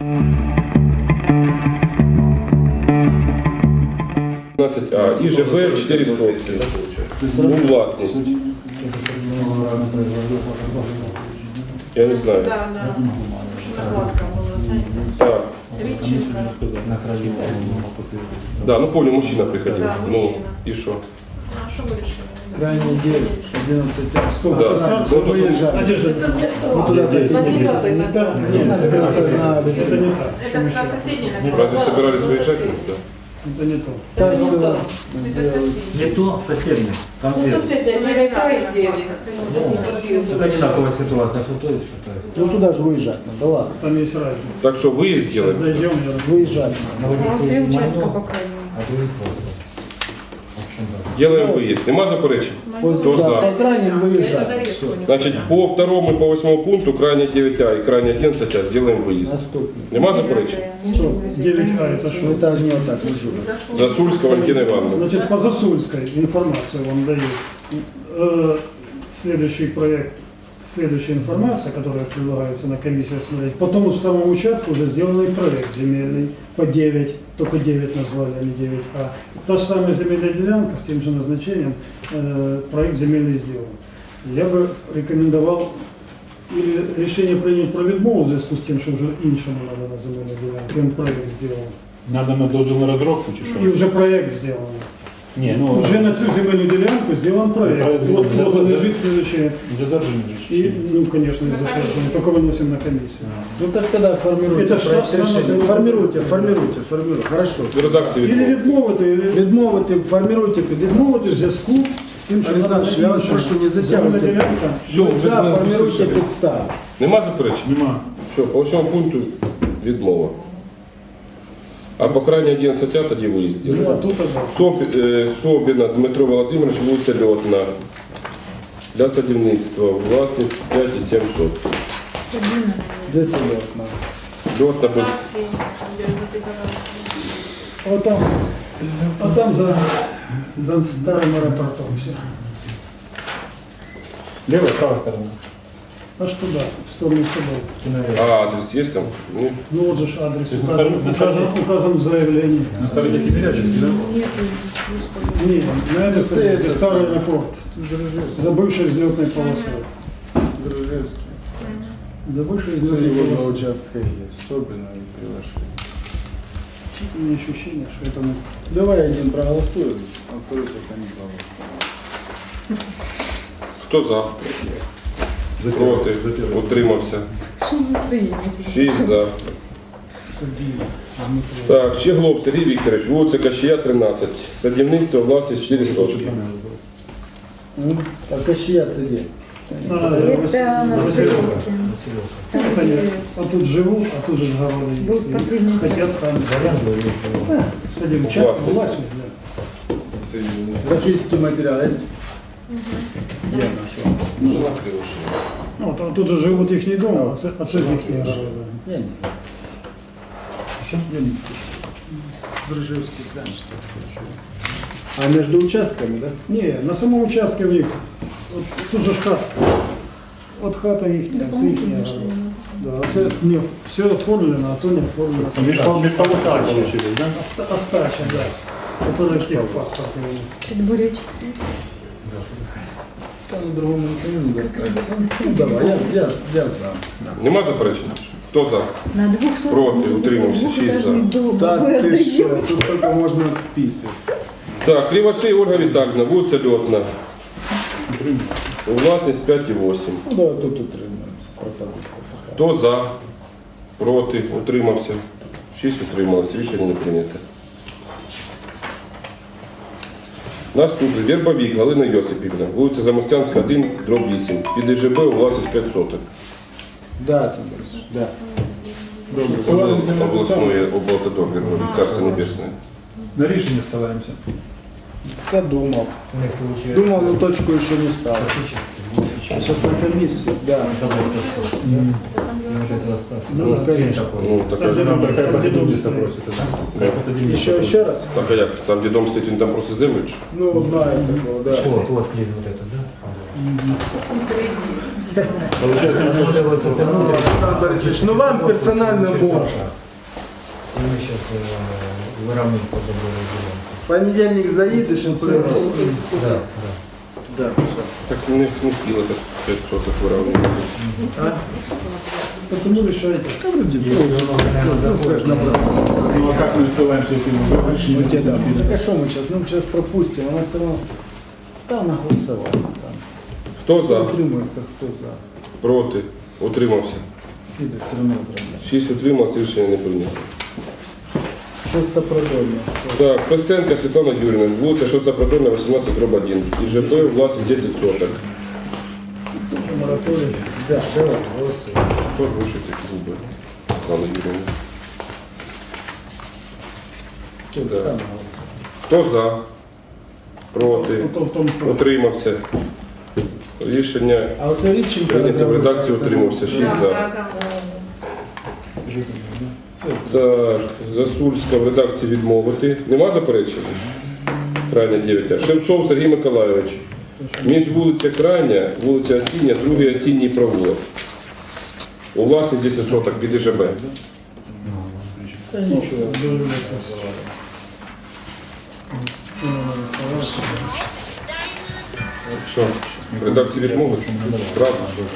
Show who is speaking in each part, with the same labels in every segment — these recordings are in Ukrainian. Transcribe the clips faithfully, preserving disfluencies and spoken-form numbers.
Speaker 1: А, І Ж Б чотири сотки. У власність. Я не знаю.
Speaker 2: Да, да. Накладка була, знаєте.
Speaker 1: Так.
Speaker 2: Рідченка.
Speaker 1: Да, ну помню, мужчина приходил.
Speaker 2: Да,
Speaker 1: Ну,
Speaker 2: мужчина.
Speaker 1: и что?
Speaker 2: А що ви вирішили?
Speaker 3: Крайний девять, одиннадцать,
Speaker 1: Да.
Speaker 3: сколько?
Speaker 1: Ну, то, что-
Speaker 3: Выезжали.
Speaker 2: Це не
Speaker 3: Ну,
Speaker 2: то.
Speaker 3: туда так.
Speaker 2: На дев'ятий
Speaker 3: Не так,
Speaker 2: накладка.
Speaker 3: нет, это не так.
Speaker 4: Это не так.
Speaker 2: Це на сусідній накладка.
Speaker 1: Разве собирались выезжать? Да.
Speaker 4: Это не то.
Speaker 3: Ставится
Speaker 2: Це
Speaker 3: на-
Speaker 2: сусідній.
Speaker 5: Не то, соседний. Там
Speaker 2: Ну,
Speaker 5: две.
Speaker 2: сусідня, дев'ять А і дев'ять.
Speaker 5: Это одинаковая ситуация, что то и что то.
Speaker 3: Ну туда же выезжать надо, ладно.
Speaker 4: Там есть разница.
Speaker 1: Так что выезд сделаем?
Speaker 4: Дойдем, я расскажу.
Speaker 3: Выезжать надо.
Speaker 5: На
Speaker 6: У нас три участка по крайней.
Speaker 5: А другие просто. В общем, да.
Speaker 1: Делаем выезд. Нема заперечень?
Speaker 3: По,
Speaker 1: Кто
Speaker 3: да,
Speaker 1: за?
Speaker 3: по крайним выезжать.
Speaker 2: Все.
Speaker 1: Значит, по второму и по восьмому пункту, крайне девять А и крайне одиннадцать А, сделаем выезд.
Speaker 3: Наступный.
Speaker 1: Нема заперечень?
Speaker 4: девять А это
Speaker 3: Ну
Speaker 4: что?
Speaker 3: это не вот так лежу.
Speaker 1: Засульская Валентина Ивановна.
Speaker 4: Значит, по Засульской информацию вам дают. Э, Следующий проект, следующая информация, которая предлагается на комиссии смотреть. По тому же самому участку уже сделанный проект земельный по девять, только девять назвали, а не девять А. Та же самая земельная делянка с тем же назначением, э, проект земельный сделан. Я бы рекомендовал или решение принять про відмову в зв'язку з тим, що вже іншому треба на земельну ділянку. Він проект зробив.
Speaker 7: Надо на дозвіл на розробку чи
Speaker 4: І
Speaker 7: що?
Speaker 4: вже проект зроблений.
Speaker 7: Ні, ну
Speaker 4: Уже на цю земельну ділянку зроблен проект.
Speaker 7: Проект
Speaker 4: Вот,
Speaker 7: зроблений.
Speaker 4: вот он лежит следующее.
Speaker 7: для зажимання.
Speaker 4: И, ну, конечно, из затверждения, только выносим на комиссию.
Speaker 3: Ну так тогда формируйте
Speaker 4: Это ж
Speaker 3: проект
Speaker 4: та ж сама
Speaker 3: решения.
Speaker 4: земля.
Speaker 3: Формируйте, формируйте, формируйте. Хорошо.
Speaker 1: В редакции
Speaker 4: Или
Speaker 1: відмови.
Speaker 4: відмовити, или
Speaker 3: Відмовити, формируйте підстави.
Speaker 4: відмовити в зв'язку з тим, що
Speaker 3: Александр, я вас
Speaker 4: інше.
Speaker 3: прошу, не
Speaker 4: Земельна
Speaker 3: затягуйте.
Speaker 4: ділянка.
Speaker 1: Все,
Speaker 3: Ви
Speaker 1: вже
Speaker 3: за,
Speaker 1: ми
Speaker 3: формируйте
Speaker 1: услышали.
Speaker 3: підстави.
Speaker 1: Нема заперечень?
Speaker 7: Нема.
Speaker 1: Все, по всьому пункту відмова. А по крайне одинадцять А тоді виїзд
Speaker 4: Ну, а
Speaker 1: сделаем.
Speaker 4: тут одна.
Speaker 1: Соп- е, Собіна Дмитро Володимирович, вулиця Льотна. Для садівництва. Власність п'ять і сім соток.
Speaker 3: Де це окна?
Speaker 1: Льотна без...
Speaker 2: Краски, де висипали.
Speaker 4: Вот там, а там за, за старым аэропортом все.
Speaker 7: Лева, права сторона.
Speaker 4: Аж туда, в сторону собой.
Speaker 1: А адрес є там? Ну,
Speaker 4: Ну вот же ж адрес
Speaker 7: на
Speaker 4: указан,
Speaker 7: стороне- на
Speaker 4: указан,
Speaker 7: стороне.
Speaker 4: указан в заявлении.
Speaker 7: На стороні Кипірячівській, так?
Speaker 4: Нет, на этой стороне это старый аэропорт. За бывшей взлетной полосой.
Speaker 3: Гружевський.
Speaker 4: За бывшей
Speaker 3: Его
Speaker 4: взлетной
Speaker 3: два
Speaker 4: полосой.
Speaker 3: участка есть. Собина и Кривошея.
Speaker 4: У меня ощущение, что это мы...
Speaker 3: Давай один проголосуем, а второй пока не проголосуем.
Speaker 1: хто за? Проти? Утримався. шість за.
Speaker 4: Садили.
Speaker 1: Так, Щеглов Сергій Вікторович, вулиця Кащія, тринадцять. Садівництво, власність чотири сотки.
Speaker 3: Ну, а Кащия це де?
Speaker 4: А,
Speaker 6: Это на
Speaker 4: Василёвка.
Speaker 6: Василевке. Там,
Speaker 4: Это
Speaker 6: где
Speaker 4: нет. А тут живут, а тут же говорили.
Speaker 6: был спортивный зал.
Speaker 4: Хотят там. Да, садим чай,
Speaker 1: Властность.
Speaker 4: властность, да.
Speaker 3: Графический материал есть? Где нашел?
Speaker 4: Ну, там, тут же живут их не дома, а це, а це їхні города.
Speaker 3: Я не знаю. Я не Гружевский прям что А между участками, да?
Speaker 4: Не, на самом участке в них. Вот, тут же ж хата. От хата їхня, це їхні города. Да, а це не, все оформлено, а то не оформлено.
Speaker 7: Міжполуса получились, так?
Speaker 4: Оста- Остача, да. Который в техпаспорт имеет.
Speaker 6: Предбуречь.
Speaker 3: Там другому никому не достать. Ну давай, я, я, я за.
Speaker 1: Нема заперечень? Хто за?
Speaker 6: На двух соток.
Speaker 1: Проти,
Speaker 6: может быть,
Speaker 1: утримався, шість за.
Speaker 6: двухэтажный дом.
Speaker 3: Да
Speaker 6: Вы
Speaker 3: ты что,
Speaker 6: отдаете.
Speaker 3: тут только можно писать.
Speaker 1: Так, Кривошей Ольга Віталіївна, вулиця Льотна. Власність п'ять і вісім.
Speaker 3: Ну да, тут утримаемся. Пропозиция пока.
Speaker 1: Хто за? Проти? Утримався? шість утрималося. Рішення не прийнято. Наступний. Вербовік Галина Йосипівна. Вулиця Замостянська, один, дроб вісім. Під І Ж Б власність п'ять соток.
Speaker 3: Да, Сандрович, да.
Speaker 1: Обла- Обласної облавтодор, Царство Небесне.
Speaker 7: На рішення ссилаємося.
Speaker 3: Я думал.
Speaker 5: У них получается
Speaker 3: Думал, но точку еще не ставил.
Speaker 5: практически больше,
Speaker 3: А
Speaker 5: чем
Speaker 3: сейчас на комиссию, да.
Speaker 5: забор пошел. И вот это остаток.
Speaker 4: Ну,
Speaker 5: Вот
Speaker 3: конечно.
Speaker 5: такой.
Speaker 1: Ну, така,
Speaker 4: Там, де
Speaker 7: Там
Speaker 4: номер
Speaker 7: така
Speaker 4: садівництва.
Speaker 7: подібність просите, так?
Speaker 3: Еще, еще раз?
Speaker 1: так, а як? Там, де дом стоїть, він там просто землю? чи що?
Speaker 3: Ну, знаю такого, да.
Speaker 5: Вот, вот клин вот это, да?
Speaker 7: Получается,
Speaker 5: Можливо, це все внутрі.
Speaker 3: Олександр Борисович, ну вам персонально можна.
Speaker 5: І ми зараз виравнюємо по забору ділянку.
Speaker 3: В понедельник заїдеш і перевезеш.
Speaker 5: Так, так.
Speaker 3: Да, все.
Speaker 1: Так не, не хвило так п'ять соток виравнювати.
Speaker 4: Потому решайте.
Speaker 3: Та вроді, ну, це ж набрався.
Speaker 7: ну а как мы ссылаемся, если мы выигрышем?
Speaker 3: Ну, те, да. Так а що ми зараз? Ну, зараз пропустимо, вона все одно став на голосування. Там.
Speaker 1: Хто за?
Speaker 3: Утримується, хто за.
Speaker 1: Проти? Утримався.
Speaker 3: Піде, все одно зробляє.
Speaker 1: шість утримався, рішення не прийнято.
Speaker 3: Шоста продольна.
Speaker 1: Так, Песенко Світлана Юрійовна, вулиця шоста Продольна, вісімнадцять дроб один. ІЖП, власність десять соток.
Speaker 4: Мораторий.
Speaker 3: Да, давай, голосуємо.
Speaker 1: Хто гроші такі губи? Світлана Юрійовна.
Speaker 3: Хто
Speaker 1: Да.
Speaker 3: став на голосування?
Speaker 1: Хто за? Проти?
Speaker 4: Потом в том, что
Speaker 1: Утримався. Рішення
Speaker 3: А оце Рідченко
Speaker 1: прийнято в редакції утримався. шість за.
Speaker 2: Да, да.
Speaker 1: Так, Засульська в редакції відмовити. Нема заперечень? Крайня дев'ять. А. Шевцов Сергій Миколайович. Між вулиця Крайня, вулиця Осіння, другий осінній провулок. У власність десять соток під ІЖБ.
Speaker 3: Та нічого.
Speaker 1: Що? В редакції відмовити? Правда?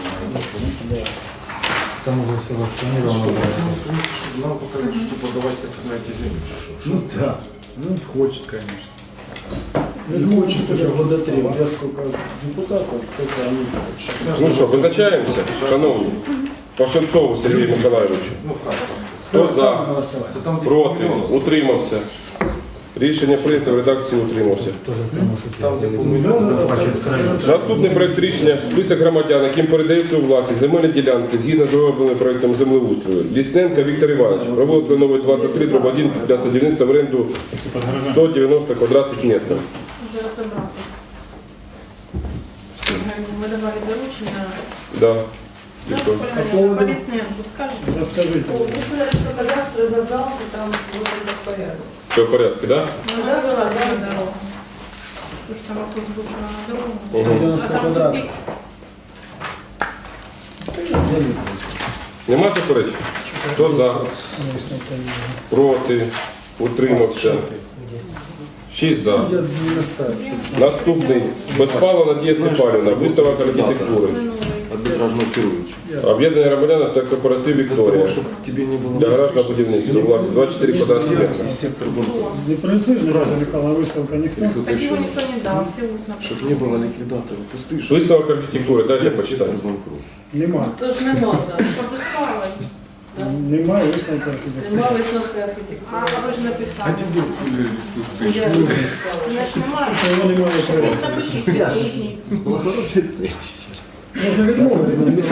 Speaker 5: Там уже все розпланировано.
Speaker 8: Нам показали, что подавать документы землю, чи що?
Speaker 3: Ну так. Ну, хочет, конечно. Не хочет уже года три. Я сколько депутатов, сколько они хотят.
Speaker 1: Ну що, визначаємося, шановні? По Шевцову Сергію Миколайовичу.
Speaker 8: Ну, как?
Speaker 1: Хто за?
Speaker 3: Голосовать.
Speaker 8: Це там, де
Speaker 1: Проти?
Speaker 8: помінялося.
Speaker 1: Утримався. Рішення прийнято в редакції утримався.
Speaker 5: То же саме, що
Speaker 8: Там, де
Speaker 5: ті
Speaker 8: помінялося.
Speaker 5: захвачують крайні.
Speaker 1: Наступний проект рішення список громадян, яким передається у власність земельні ділянки згідно з розробленим проектом землеустрою. Лісненко Віктор Іванович, провулок Кленовий двадцять три, дроб один для садівництва в оренду
Speaker 7: Под гаражом.
Speaker 1: сто дев'яносто квадратних метрів.
Speaker 2: Вже розібратись. Ми давали доручення.
Speaker 1: Да. І що?
Speaker 2: По Лісненку скажете?
Speaker 4: расскажите.
Speaker 6: Кадастр разобрался, там вот это в порядке.
Speaker 1: Все в порядку, да?
Speaker 2: Ну, да, за дорогу. Тож там вопрос був, що на дорогу.
Speaker 1: Угу.
Speaker 3: девяносто
Speaker 2: А там
Speaker 3: квадратів.
Speaker 2: тупик.
Speaker 1: Нема заперечень? Хто за? Проти? Утримався? Шість за.
Speaker 3: Я не ставлю.
Speaker 1: Наступний. Безпалова Надія Степанівна, виставок архітектури.
Speaker 8: Арбітражного керуючого.
Speaker 1: Об'єднання громадян та кооператив Вікторія.
Speaker 8: Щоб тобі не було
Speaker 1: Для гаражного будівництва. Власне, двадцять чотири квадратних метри.
Speaker 8: сектор банкротства.
Speaker 4: Депрессивно, Михайло, выставка никто.
Speaker 2: Так його ніхто не дав, всі усно.
Speaker 8: Щоб не було ліквідаторів. Пусти, щоб
Speaker 1: Виставок архітектури, дайте почитаю.
Speaker 8: сектор банкротства.
Speaker 4: Нема.
Speaker 6: Тож нема, так.
Speaker 2: Пропускали.
Speaker 4: Нема выставка архитектуры.
Speaker 6: Нема висновки
Speaker 2: А
Speaker 6: архітектури.
Speaker 2: ви ж написали.
Speaker 8: А тебе хули пусти.
Speaker 6: Я не написала.
Speaker 2: Значить, немає.
Speaker 4: Его немає проекта.
Speaker 2: Напишіть сьогодні.
Speaker 4: Можно відмовити.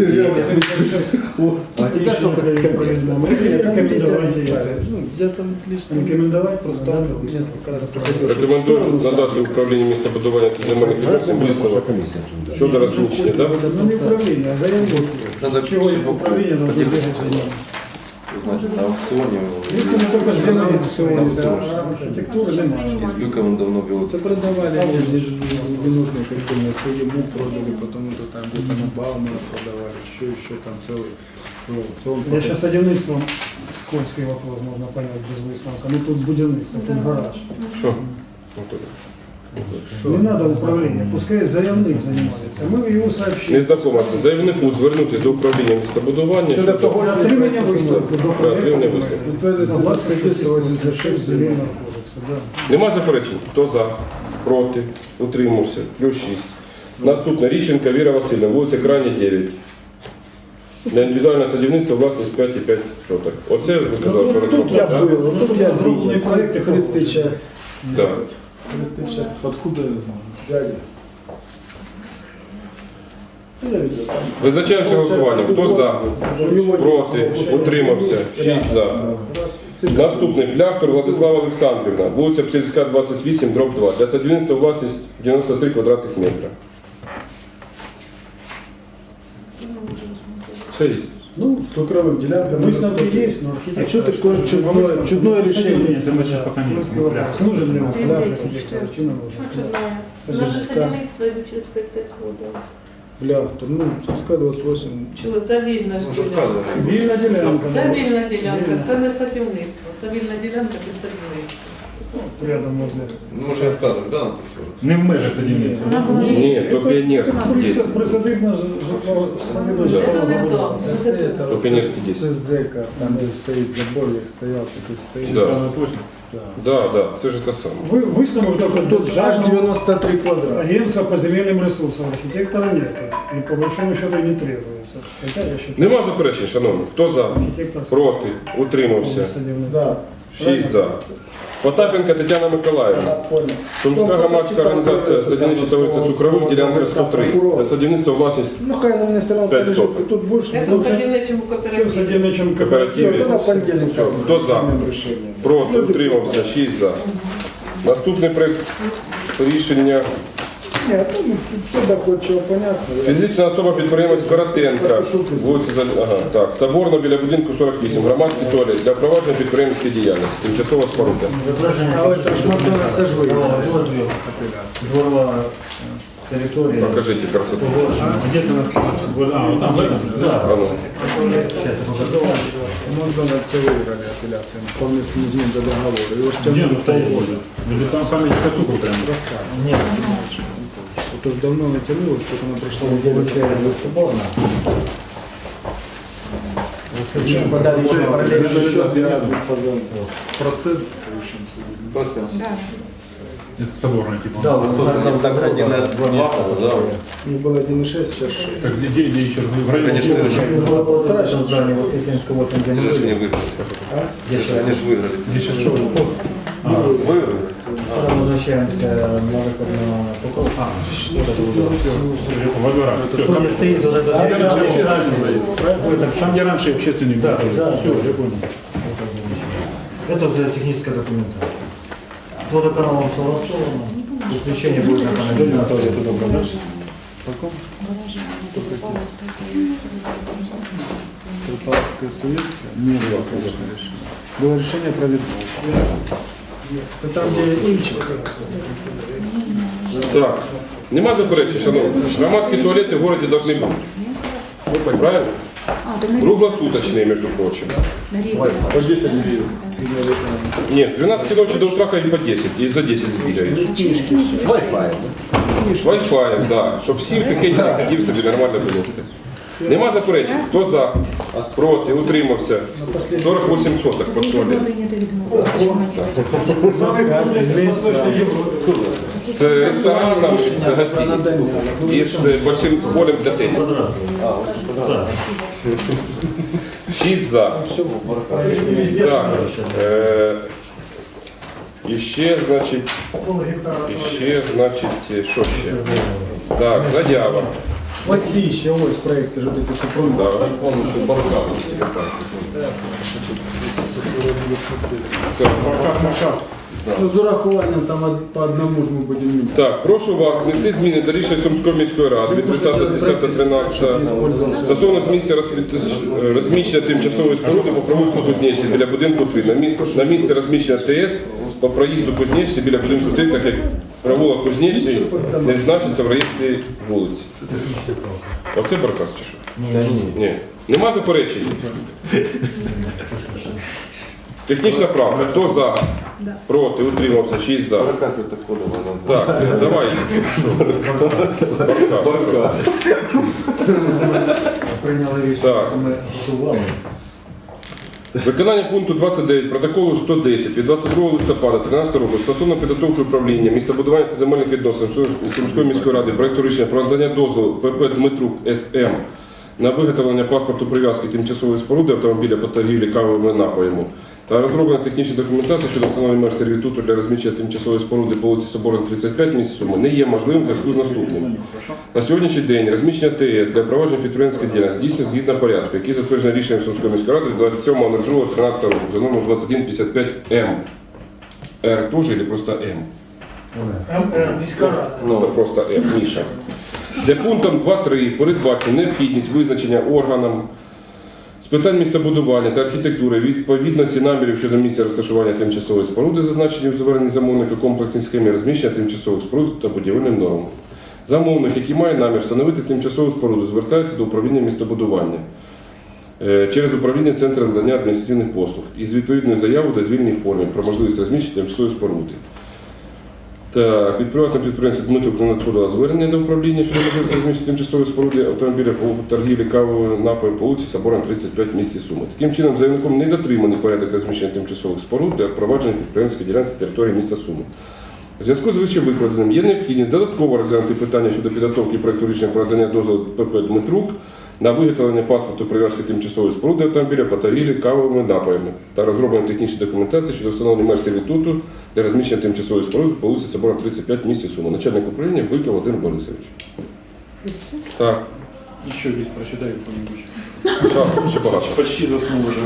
Speaker 3: А тебя только
Speaker 4: Рекомендовать ее.
Speaker 3: Ну, я там лично
Speaker 4: Рекомендовать
Speaker 3: просто несколько раз приходил.
Speaker 1: Рекомендую надати управлінню містобудування та земельних відносин висновок щодо розміщення, да?
Speaker 4: Ну не управление, а заявление.
Speaker 8: Надо
Speaker 4: Чего
Speaker 8: пиши
Speaker 4: это управление должно
Speaker 8: поделиться.
Speaker 4: бегать за ним?
Speaker 8: Значить, на аукціоні
Speaker 4: Если мы только сделали
Speaker 8: на
Speaker 4: сегодня,
Speaker 8: аукціоні.
Speaker 4: архитектуры немає.
Speaker 8: Із бюком давно було.
Speaker 3: Это продавали, они же ненужные картины, все ему продали, потому что там где-то на Баумана продавали, еще, еще там целый аукцион.
Speaker 4: Я сейчас садівництвом скользкий вопрос можно понять без висновка. Ну тут будівництво, тут гараж.
Speaker 1: Що? Отут.
Speaker 4: Не надо управления, пускай заявник занимается. Мы его
Speaker 1: Не
Speaker 4: сообщили.
Speaker 1: знакомиться. Заявнику звернутися до управління містобудування
Speaker 3: Щодо
Speaker 1: щодо
Speaker 3: того,
Speaker 4: Отримання висновку до
Speaker 1: Да, отримання
Speaker 4: проекту.
Speaker 1: висновку.
Speaker 4: Согласно статті сто вісімдесят шість Земельного кодексу. Да.
Speaker 1: Нема заперечень? Хто за? Проти? Утримався? Плюс шість. Наступне. Річенка Віра Васильівна, вулиця Крайня, дев'ять. Для індивідуального садівництва власність п'ять і п'ять соток. Оце ви казали, що
Speaker 3: Тут
Speaker 1: розробляли,
Speaker 3: я
Speaker 1: так?
Speaker 3: был, тут я
Speaker 4: Зроблений проект і
Speaker 3: Христича.
Speaker 1: Так.
Speaker 3: Христича. Откуда я знаю? Дядя. Я видел, там.
Speaker 1: Визначаємося голосуванням. Хто за?
Speaker 3: У него
Speaker 1: Проти?
Speaker 3: есть-
Speaker 1: Утримався? шість за.
Speaker 3: Раз.
Speaker 1: Наступний. Пляхтор Владислава Олександрівна, вулиця Псельська, двадцять вісім, дроб два. Для садівництва власність дев'яносто три квадратних метра. Все є.
Speaker 3: Ну, цукровым делянкам.
Speaker 4: Выставки есть, но
Speaker 3: А
Speaker 4: архитектура...
Speaker 3: что такое чудное, чудное решение?
Speaker 7: Это мы сейчас пока не
Speaker 4: Скользкий вопрос. Нужен ли у нас для архитектора? Чи не нужен?
Speaker 2: Чого чудное?
Speaker 4: Садівництво.
Speaker 2: Наше садівництво йде через п'ять років.
Speaker 3: Бля, то, ну, Сумська двадцять вісім.
Speaker 2: Чого? Це вільна ж ділянка.
Speaker 4: Вільна ділянка.
Speaker 2: Це
Speaker 4: ну,
Speaker 2: вільна ділянка,
Speaker 4: Вільна.
Speaker 2: це не садівництво, це вільна ділянка під садівництво.
Speaker 4: Рядом возле.
Speaker 8: Ну, може відказувати, да, написано?
Speaker 7: Не в межах садівництва.
Speaker 2: Вона була
Speaker 1: Ні, то піонерський десять.
Speaker 4: Присадибна житло, садибна
Speaker 1: Да.
Speaker 2: Це не
Speaker 4: житло.
Speaker 2: то, це не то.
Speaker 1: То піонерський
Speaker 3: Це
Speaker 1: десять.
Speaker 3: зека, там де стоїть забор, як стояв, такий стоїть.
Speaker 1: Да.
Speaker 7: двадцять восемь.
Speaker 3: Да.
Speaker 1: Да, да, це ж те саме.
Speaker 4: Вы, выставок только тут
Speaker 3: Аж
Speaker 4: жажду
Speaker 3: девяносто три квадрата.
Speaker 4: агентства по земельным ресурсам. Архитектора нет. И по большому счету не требуется. Хотя я считаю,
Speaker 1: Нема заперечень, шановні. Хто за?
Speaker 4: архитектор
Speaker 1: Проти? Утримався.
Speaker 3: Да.
Speaker 1: Шість за. Потапенка Тетяна Миколаївна.
Speaker 3: Понял.
Speaker 1: Сумська громадська організація садівнича товариства «Цукровик», ділянка сто три. Для садівництва власність
Speaker 3: Ну, хай на мене все равно
Speaker 1: П'ять
Speaker 3: полежить,
Speaker 1: соток.
Speaker 3: і тут більше.
Speaker 2: Це
Speaker 3: Ну,
Speaker 2: в садівничому
Speaker 4: все в
Speaker 2: кооперативі.
Speaker 4: садівничому
Speaker 3: все,
Speaker 1: кооперативі.
Speaker 3: то на понедельник.
Speaker 1: Хто за?
Speaker 3: Приймемо рішення.
Speaker 1: Проти? Утримався. Шість за. Наступний проект рішення.
Speaker 3: Ні, то, ну, все доходчиво, понятно.
Speaker 1: Фізична особа підприємець Коротенка, вулиця За- ага, так, Соборна біля будинку сорок вісім, громадський туалет для провадження підприємницької діяльності, тимчасова споруда.
Speaker 5: Зображення.
Speaker 3: Але це ж Макдональдс, це ж ви.
Speaker 5: Дозвіл. Дворова територія.
Speaker 1: Покажіть красоту.
Speaker 5: Погоджено.
Speaker 7: А де це у нас? А, вот там в этом же, да?
Speaker 1: А ну.
Speaker 5: Сейчас я покажу.
Speaker 3: Макдональдс це виграли апеляцію. По внесенню змін до договору. Його ж
Speaker 7: Где
Speaker 3: тягнули
Speaker 7: оно стоит?
Speaker 3: полгода.
Speaker 7: Возле там памятника цукру прям.
Speaker 3: Розказує.
Speaker 5: Нет,
Speaker 3: Тут ж давно не тягнулося, тут воно пройшло в
Speaker 5: получается соборно. Расскажите, подали еще параллельно.
Speaker 3: Ще дві різних позови. Процент.
Speaker 7: Это соборная типа.
Speaker 5: Да, вот там так один из два места.
Speaker 3: Ну, було один і шість, зараз шість.
Speaker 7: Так, где, где еще? В районе
Speaker 8: Конечно,
Speaker 7: Киева.
Speaker 8: это
Speaker 5: Было полтора, сейчас здание Воскресенского восемь
Speaker 8: Це ж не
Speaker 5: день.
Speaker 8: виграли.
Speaker 5: Я сейчас
Speaker 8: Вони ж виграли.
Speaker 7: Где сейчас шоу? А,
Speaker 8: Виграли?
Speaker 5: сразу возвращаемся на выход на Покровск.
Speaker 7: а, во дворах. Всё,
Speaker 5: Кто
Speaker 7: там-
Speaker 5: не стоит, уже
Speaker 7: Там где раньше общественник был.
Speaker 5: Ой, там
Speaker 7: Там, где раньше общественник
Speaker 5: Да,
Speaker 7: был.
Speaker 5: да.
Speaker 7: Все, я понял.
Speaker 5: Это уже техническая документация. С водоканалом согласовано. Исключение будет на канализацию.
Speaker 7: Туда продашь?
Speaker 3: Трипаловська совєтська? Ні, було, звісно, рішення. Було рішення про відмову. Це там, де інші.
Speaker 1: Так, нема заперечень, шановні. Громадські туалети в місті повинні бути. Правильно? Круглосуточные, между прочим.
Speaker 3: По десять гривень.
Speaker 1: Нет, с двенадцати ночи до утра ходить по десять, и за десять сбегаешь.
Speaker 3: З Wi-Fi.
Speaker 1: С Wi-Fi, да, щоб всі тихенько сидів собі, нормально було все. Нема заперечень. Хто за? Проти? Утримався. сорок вісім соток під туалет. З рестораном, з гостиницей. І з большим полем для тенісу. Шість за. Так. Е, і ще, значить, і ще, значить, що ще? Так, заява.
Speaker 3: Оці ще ось проєкти ж такі супроводи.
Speaker 1: Да.
Speaker 8: Повністю баркас.
Speaker 1: Так.
Speaker 7: Маркас, Маркас.
Speaker 3: Ну, з урахуванням там од- по одному ж ми будемо міняти.
Speaker 1: Так, прошу вас внести зміни до рішення Сумської міської ради від тридцятого десятого тринадцятого стосовно місця розмі- розміщення тимчасової споруди по провулку Кузнеччини біля будинку три. На мі- На місце розміщення ТС по проїзду Кузнеччини біля будинку три, так як провулок Кузнеччини не значиться в реєстрі вулиці. Оце баркас чи що? Ні. Нема заперечень? Технічна правка. Хто за? Проти? Утримався? шість за.
Speaker 8: Баркас це кодова назва.
Speaker 1: Так, давай. Що? Баркас.
Speaker 5: Прийняли рішення,
Speaker 1: Так.
Speaker 5: що ми готували.
Speaker 1: Виконання пункту двадцять дев'ять протоколу сто десять від двадцять другого листопада дві тисячі тринадцятого року стосовно підготовки управління містобудування та земельних відносин Сумської міської ради проекту рішення про надання дозволу ПП Дмитрук СМ на виготовлення паспорту прив'язки тимчасової споруди автомобіля по торгівлі кавовими напоями та розроблена технічна документація щодо встановлення меж сервітуту для розміщення тимчасової споруди по вулиці Соборна, тридцять п'ять, місті Суми не є можливим в зв'язку з наступним. На сьогоднішній день розміщення ТС для провадження підприємницької діяльності здійснюється згідно порядку, який затверджений рішенням Сумської міської ради двадцять сьомого другого тринадцятого року за номером двадцять один п'ятдесят п'ять М. Р теж или просто М? Ну, то просто М, Міша. Де пунктом два три передбачена необхідність визначення органам з питань містобудування та архітектури відповідності намірів щодо місця розташування тимчасової споруди, зазначені в зверненні замовника комплексній схемі розміщення тимчасових споруд та будівельним нормам. Замовник, який має намір встановити тимчасову споруду, звертається до управління містобудування е, через управління Центру надання адміністративних послуг із відповідною заявою до звільній формі про можливість розміщення тимчасової споруди. Так, від приватного підприємця Дмитрук не надходило звернення до управління щодо можливості розміщення тимчасової споруди автомобіля по торгівлі кавовою напоєм по вулиці Соборна, тридцять п'ять в місті Суми. Таким чином, заявником не дотриманий порядок розміщення тимчасових споруд для впровадження підприємницької ділянки території міста Суми. У зв'язку з вище викладеним є необхідність додатково розглянути питання щодо підготовки проєкту рішення про надання дозволу ПП «Дмитрук» на виготовлення паспорту прив'язки тимчасової споруди автомобіля по торгівлі кавовими напоями та розроблення технічної документації щодо встановлення меж сервітуту для розміщення тимчасової споруди по вулиці Соборна, тридцять п'ять в місті Суми. Начальник управління Бойко Володимир Борисович. Так,
Speaker 7: Еще здесь прочитай кто-нибудь.
Speaker 1: час ще багато.
Speaker 7: Почти заснул уже.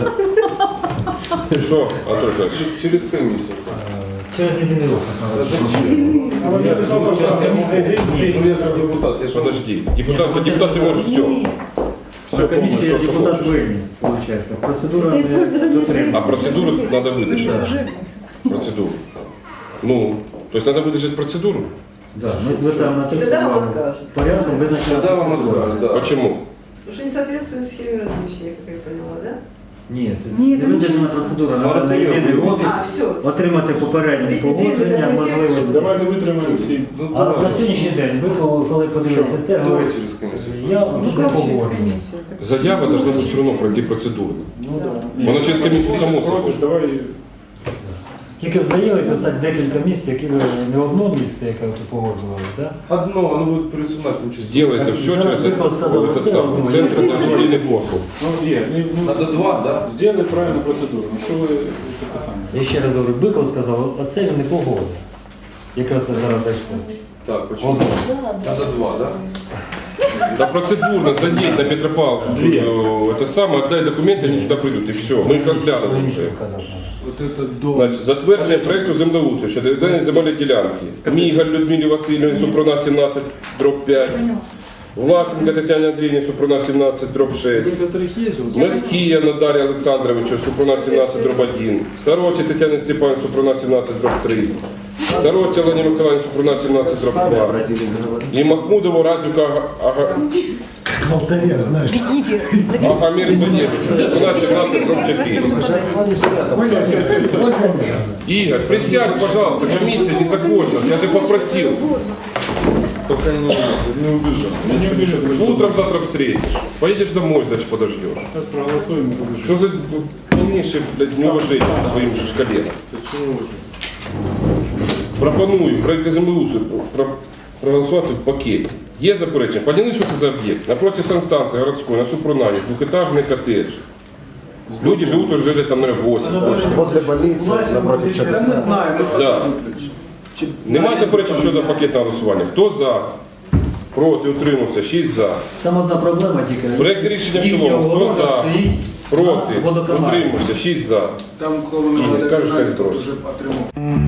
Speaker 1: Що, Анатолій Федорович?
Speaker 8: Через комиссию.
Speaker 5: Через єдиний офіс надо.
Speaker 3: А вот я только что
Speaker 8: Ну, я как депутат, я же
Speaker 1: Подожди, депутат, депутат ти можеш все. Все
Speaker 5: Комісія
Speaker 1: повністю, що
Speaker 5: депутат
Speaker 1: хочеш.
Speaker 5: виніс, виходить. Процедура
Speaker 6: Это использование
Speaker 5: дотримана.
Speaker 1: А процедуру треба видержати. Процедуру. Ну, то есть треба видержати процедуру?
Speaker 5: Да, ми звертаємо на те, що
Speaker 6: Тогда вам
Speaker 5: вам
Speaker 6: откажут.
Speaker 5: порядком визначена
Speaker 8: Тогда вам
Speaker 5: процедура.
Speaker 8: откажут, да.
Speaker 1: Почему?
Speaker 6: Потому что не соответствует схеме размещения, как я поняла, да?
Speaker 5: Ні,
Speaker 2: Ні,
Speaker 5: не
Speaker 2: там
Speaker 5: видержана
Speaker 2: нічого.
Speaker 5: процедура. Треба на єдиний офіс
Speaker 6: А, все.
Speaker 5: отримати попередні
Speaker 6: Візити,
Speaker 5: погодження,
Speaker 6: візити,
Speaker 5: можливості.
Speaker 7: Давайте витримаємо всі.
Speaker 8: Ну,
Speaker 5: А на сьогоднішній день ви коли коли подивилися це,
Speaker 8: Давай
Speaker 5: говорите,
Speaker 8: через комиссию.
Speaker 5: я
Speaker 2: Ну,
Speaker 5: не
Speaker 2: как через
Speaker 5: погоджуюсь.
Speaker 2: комиссию? Так
Speaker 1: Заява должна бути все одно пройти процедуру.
Speaker 7: Ну да.
Speaker 1: Воно через комісію само собою.
Speaker 7: Просиш, давай.
Speaker 5: Тільки в заяві писати декілька місць, які ви не одно місце, яке ви погоджували, так?
Speaker 8: Одно, оно будет присутствовать там через...
Speaker 1: Сделайте все
Speaker 5: Зараз
Speaker 1: через
Speaker 5: Виклад сказав,
Speaker 1: этот
Speaker 5: це
Speaker 1: самый
Speaker 5: одно.
Speaker 1: центр дозвільних послуг.
Speaker 7: Ну, є. Не, не,
Speaker 8: Надо два, да?
Speaker 7: Сделай правильну процедуру. Ну, що ви таке саме?
Speaker 5: Я ще раз говорю, Биков сказав, а це він не погодив. Яке це зараз зайшло.
Speaker 8: Так, почему?
Speaker 5: Одно.
Speaker 8: Надо два, да?
Speaker 1: Да процедурно задеть на Петропавловск, э, это самое, отдай документы, они сюда придут, и все. Мы их разглянули уже.
Speaker 7: Вот это до...
Speaker 1: Значить, затвердження проєкту землеустрою щодо відведення земельної ділянки. Мігаль Людмилі Васильівні, Супруна сімнадцять, дроб п'ять. Власенка Тетяні Андріївні, Супруна сімнадцять, дроб шесть.
Speaker 3: некоторых есть.
Speaker 1: Мескія Надарі Олександровичу, Супруна сімнадцять, дроб один. Сороці Тетяні Степанівні, Супруна сімнадцять, дроб три. Сороці Олені Миколаївні, Супруна сімнадцять, дроб два. І Махмудову Разюка Ага- Ага- Агамір Судєвич, Супруна сімнадцять, дроб чотири. Игорь, присядь, пожалуйста, комиссия не закончилась, я же попросил.
Speaker 8: Только не, не убежал.
Speaker 7: Я не убежу.
Speaker 1: Утром завтра встретишь. Поедешь домой, значит, подождешь.
Speaker 7: Сейчас проголосуем. и побежим.
Speaker 1: Что за полнейшее, блядь, неуважение к своим же коллегам?
Speaker 8: Почему же?
Speaker 1: Пропоную проєкти землеустрою про- проголосувати в пакеті. Є заперечення? Поняли, що це за об'єкт? Напроти санстанції городської, на Супрунані, двохетажний коттедж. Люди живуть уже лет там, наверное, вісім.
Speaker 3: Возле больницы, напротив чего. Я не знаю.
Speaker 1: Да. Нема заперечень щодо пакетного голосування. Хто за? Проти, утримався, шість за.
Speaker 5: Там одна проблема тільки.
Speaker 1: Проект рішення в
Speaker 5: Їхня
Speaker 1: цілому. Хто
Speaker 5: огорожа
Speaker 1: за?
Speaker 5: стоїть
Speaker 1: Проти,
Speaker 5: на водоканалі.
Speaker 1: утримався, шість за.
Speaker 3: Там коло
Speaker 1: І не скажеш, хай збрось.
Speaker 3: вже отримав.